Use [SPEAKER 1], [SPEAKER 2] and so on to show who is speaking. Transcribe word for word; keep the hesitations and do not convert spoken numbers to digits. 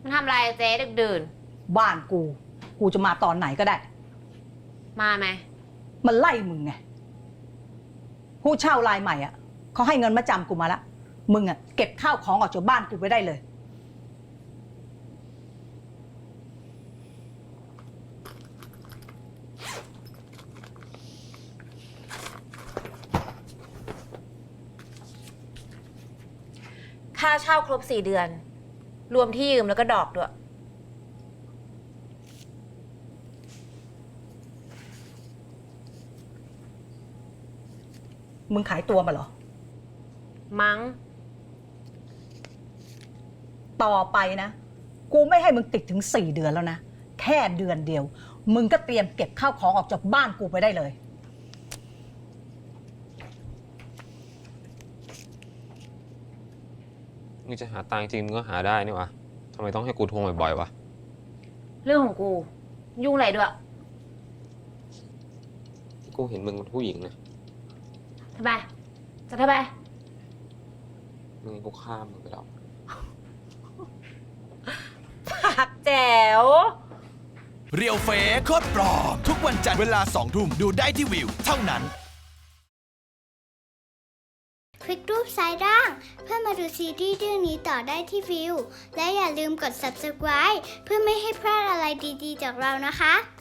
[SPEAKER 1] มันทำอะไรเจ๊ดึกดื่น
[SPEAKER 2] บ้านกู กูจะมาตอนไหนก็ได้
[SPEAKER 1] มาไหม
[SPEAKER 2] มันไล่มึงไงผู้เช่ารายใหม่อ่ะเขาให้เงินมาจำกูมาละมึงอ่ะเก็บข้าวของออกจากบ้านกูไปได้เลย
[SPEAKER 1] ค่าเช่าครบสี่เดือน รวมที่ยืมแล้วก็ดอกด้วย
[SPEAKER 2] มึงขายตัวมาเหรอ
[SPEAKER 1] มั้ง
[SPEAKER 2] ต่อไปนะกูไม่ให้มึงติดถึงสี่เดือนแล้วนะแค่เดือนเดียวมึงก็เตรียมเก็บข้าวของออกจากบ้านกูไปได้เลย
[SPEAKER 3] มึงจะหาตังค์จริงมึงก็หาได้นี่วะทำไมต้องให้กูทวงบ่อยๆวะ
[SPEAKER 1] เรื่องของกู ยุ่งอะไรด้วย
[SPEAKER 3] กูเห็นมึงเป็นผู้หญิงนะ
[SPEAKER 1] ทำไมจะทำไม
[SPEAKER 3] มึงกูฆ่ามึงไปแล้ว
[SPEAKER 1] ปากแจ๋ว
[SPEAKER 4] เรียวเฟซโคตรปลอมทุกวันจันทร์เวลาสองทุ่มดูได้ที่วิวเท่านั้น
[SPEAKER 5] คลิกรูปซ้ายล่างเพื่อมาดูซีรีส์เรื่องนี้ต่อได้ที่วิวและอย่าลืมกด ซับสไครบ์ เพื่อไม่ให้พลาดอะไรดีๆจากเรานะคะ